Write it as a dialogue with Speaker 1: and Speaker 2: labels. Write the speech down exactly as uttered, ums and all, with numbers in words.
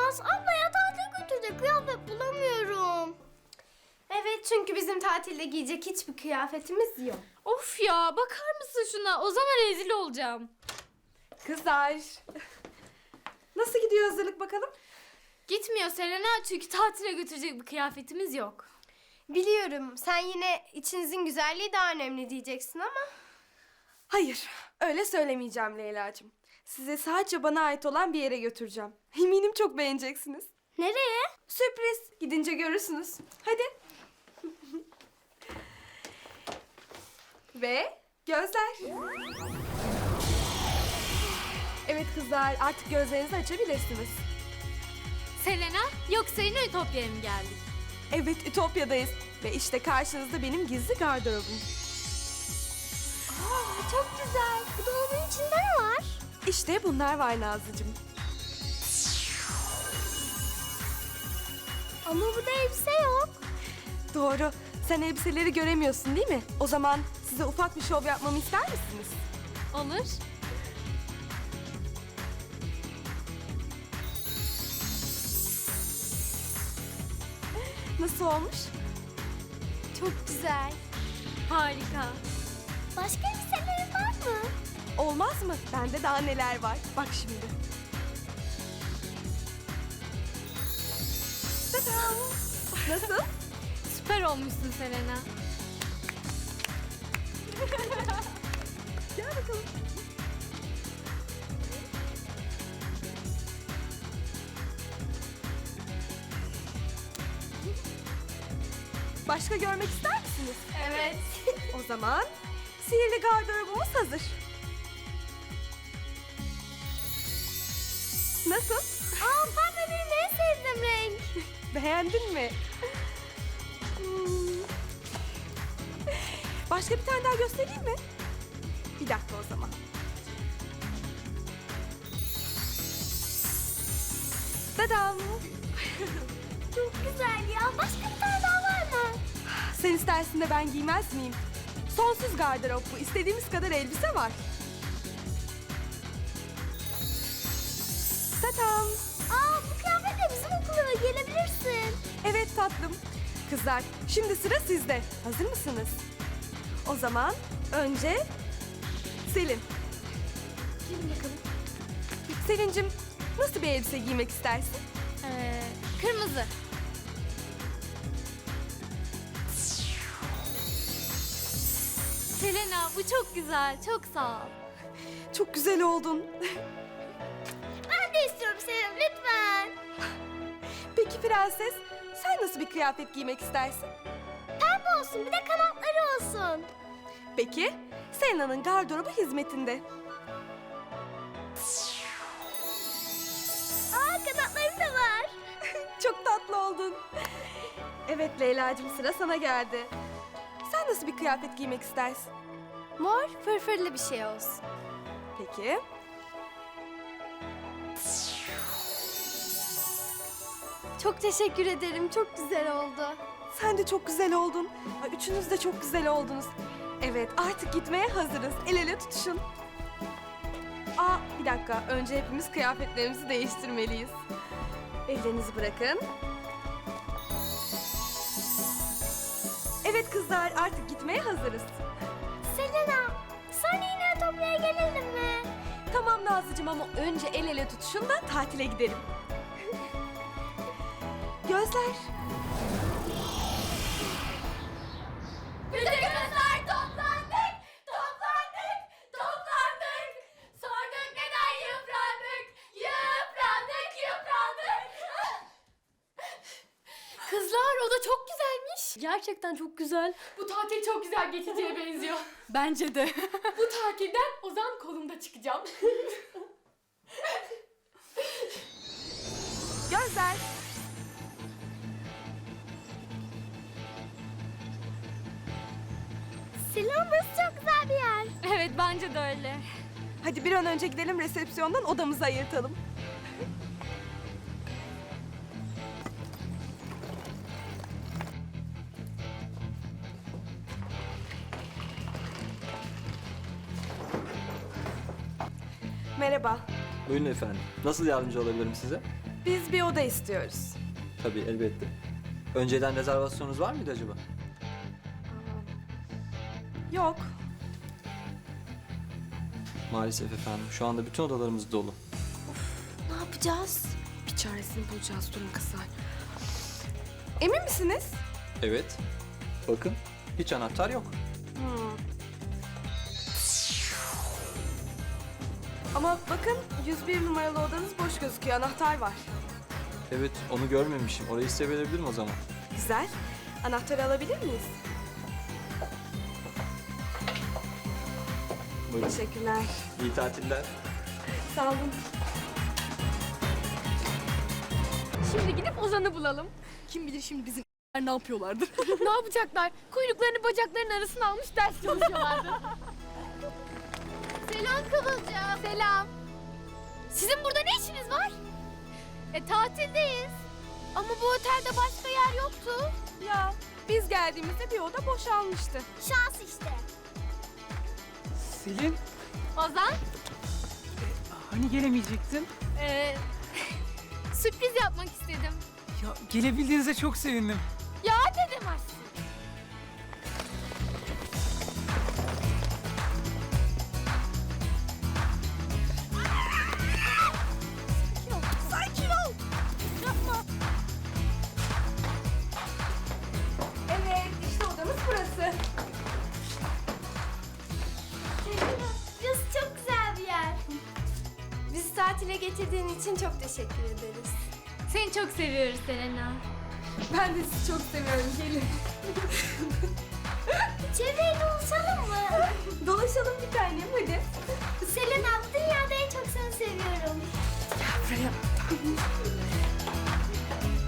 Speaker 1: Olmaz. Ablaya tatil götürecek kıyafet bulamıyorum.
Speaker 2: Evet, çünkü bizim tatilde giyecek hiçbir kıyafetimiz yok.
Speaker 3: Of ya, bakar mısın şuna? O zaman rezil olacağım.
Speaker 4: Kızlar. Nasıl gidiyor hazırlık bakalım?
Speaker 3: Gitmiyor Selena, çünkü tatile götürecek bir kıyafetimiz yok.
Speaker 2: Biliyorum, sen yine içinizin güzelliği daha önemli diyeceksin ama...
Speaker 4: Hayır, öyle söylemeyeceğim Leyla'cığım. Size sadece bana ait olan bir yere götüreceğim. Eminim çok beğeneceksiniz.
Speaker 1: Nereye?
Speaker 4: Sürpriz. Gidince görürsünüz. Hadi. Ve gözler. Evet kızlar, artık gözlerinizi açabilirsiniz.
Speaker 3: Selena, yoksa yine Ütopya'ya mı geldik?
Speaker 4: Evet, Ütopya'dayız. Ve işte karşınızda benim gizli gardırobum.
Speaker 1: Aa, çok güzel. Bu dolabın içinde ne var?
Speaker 4: İşte bunlar var Nazlıcığım.
Speaker 1: Ama burada elbise yok.
Speaker 4: Doğru. Sen elbiseleri göremiyorsun değil mi? O zaman size ufak bir şov yapmamı ister misiniz?
Speaker 3: Olur.
Speaker 4: Nasıl olmuş?
Speaker 1: Çok güzel.
Speaker 3: Harika.
Speaker 1: Başka elbiselerin var mı?
Speaker 4: Olmaz mı? Bende daha neler var. Bak şimdi. Tadam! Nasıl?
Speaker 3: Süper olmuşsun Selena.
Speaker 4: Gel bakalım. Başka görmek ister misiniz?
Speaker 2: Evet.
Speaker 4: O zaman sihirli gardırobumuz hazır. Nasıl?
Speaker 1: Aa, pembe benim en sevdiğim renk.
Speaker 4: Beğendin mi? Hmm. Başka bir tane daha göstereyim mi? Bir dakika o zaman. Tadam!
Speaker 1: Çok güzel ya. Başka bir tane daha var mı?
Speaker 4: Sen istersin de ben giymez miyim? Sonsuz gardırop bu. İstediğimiz kadar elbise var. Tadam!
Speaker 1: Aa, bu kıyafetle bizim okula gelebilirsin.
Speaker 4: Evet tatlım. Kızlar, şimdi sıra sizde. Hazır mısınız? O zaman önce Selin. Gelin bakalım. Selin'cim, nasıl bir elbise giymek istersin?
Speaker 3: Ee, kırmızı. Selena, bu çok güzel. Çok sağ ol.
Speaker 4: Çok güzel oldun.
Speaker 1: Ben de istiyorum Selim, lütfen.
Speaker 4: Peki prenses, sen nasıl bir kıyafet giymek istersin?
Speaker 1: Pembe olsun, bir de kanatları olsun.
Speaker 4: Peki, Selena'nın gardırobu hizmetinde.
Speaker 1: Aa, kanatları da var.
Speaker 4: Çok tatlı oldun. Evet Leyla'cığım, sıra sana geldi. Sen nasıl bir kıyafet giymek istersin?
Speaker 2: Mor, fırfırlı bir şey olsun.
Speaker 4: Peki.
Speaker 2: Çok teşekkür ederim. Çok güzel oldu.
Speaker 4: Sen de çok güzel oldun. Ay, üçünüz de çok güzel oldunuz. Evet, artık gitmeye hazırız. El ele tutuşun. Aa, bir dakika. Önce hepimiz kıyafetlerimizi değiştirmeliyiz. Ellerinizi bırakın. Evet kızlar, artık gitmeye hazırız.
Speaker 1: Selena, sonra yine Ütopya'ya gelelim mi?
Speaker 4: Tamam Nazlıcığım ama önce el ele tutuşun da tatile gidelim. Gözler.
Speaker 3: Bütün kızlar toplandık, toplandık, toplandık. Sorduk neden yıprandık, yıprandık, yıprandık. Kızlar, o da çok güzelmiş.
Speaker 5: Gerçekten çok güzel.
Speaker 3: Bu tatil çok güzel geçeceğe benziyor.
Speaker 5: Bence de.
Speaker 3: Bu tatilden Ozan kolumda çıkacağım.
Speaker 4: Gözler.
Speaker 1: Selena, burası çok güzel bir yer.
Speaker 3: Evet, bence de öyle.
Speaker 4: Hadi bir an önce gidelim resepsiyondan odamızı ayırtalım. Merhaba.
Speaker 6: Buyurun efendim. Nasıl yardımcı olabilirim size?
Speaker 4: Biz bir oda istiyoruz.
Speaker 6: Tabii elbette. Önceden rezervasyonunuz var mıydı acaba?
Speaker 4: Yok.
Speaker 6: Maalesef efendim. Şu anda bütün odalarımız dolu.
Speaker 2: Ne yapacağız?
Speaker 4: Bir çaresini bulacağız, durun kızlar. Emin misiniz?
Speaker 6: Evet. Bakın hiç anahtar yok.
Speaker 4: Hmm. Ama bakın yüz bir numaralı odanız boş gözüküyor, anahtar var.
Speaker 6: Evet onu görmemişim. Orayı size verebilirim o zaman.
Speaker 4: Güzel. Anahtarı alabilir miyiz?
Speaker 6: Buyurun.
Speaker 4: Teşekkürler.
Speaker 6: İyi tatiller.
Speaker 4: Sağ olun.
Speaker 5: Şimdi gidip Ozan'ı bulalım. Kim bilir şimdi bizim ne yapıyorlardır.
Speaker 3: Ne yapacaklar? Kuyruklarını bacaklarının arasına almış ders çalışıyorlardı.
Speaker 2: Selam Kıvılcım.
Speaker 3: Selam. Sizin burada ne işiniz var?
Speaker 2: E tatildeyiz. Ama bu otelde başka yer yoktu.
Speaker 4: Ya biz geldiğimizde bir oda boşalmıştı.
Speaker 1: Şans işte.
Speaker 7: Selin,
Speaker 3: Ozan,
Speaker 7: hani gelemeyecektin?
Speaker 3: ee, sürpriz yapmak istedim.
Speaker 7: Ya gelebildiğinize çok sevindim.
Speaker 3: Ya ne demezsin?
Speaker 4: Evet, işte odamız burası.
Speaker 1: Burası çok güzel bir yer.
Speaker 2: Bizi tatile getirdiğin için çok teşekkür ederiz.
Speaker 3: Seni çok seviyoruz Selena.
Speaker 4: Ben de sizi çok seviyorum, gelin.
Speaker 1: Çevreyi dolaşalım mı?
Speaker 4: Dolaşalım bir tanem, hadi.
Speaker 1: Selena, bu dünyada en çok seni seviyorum.
Speaker 4: Buraya.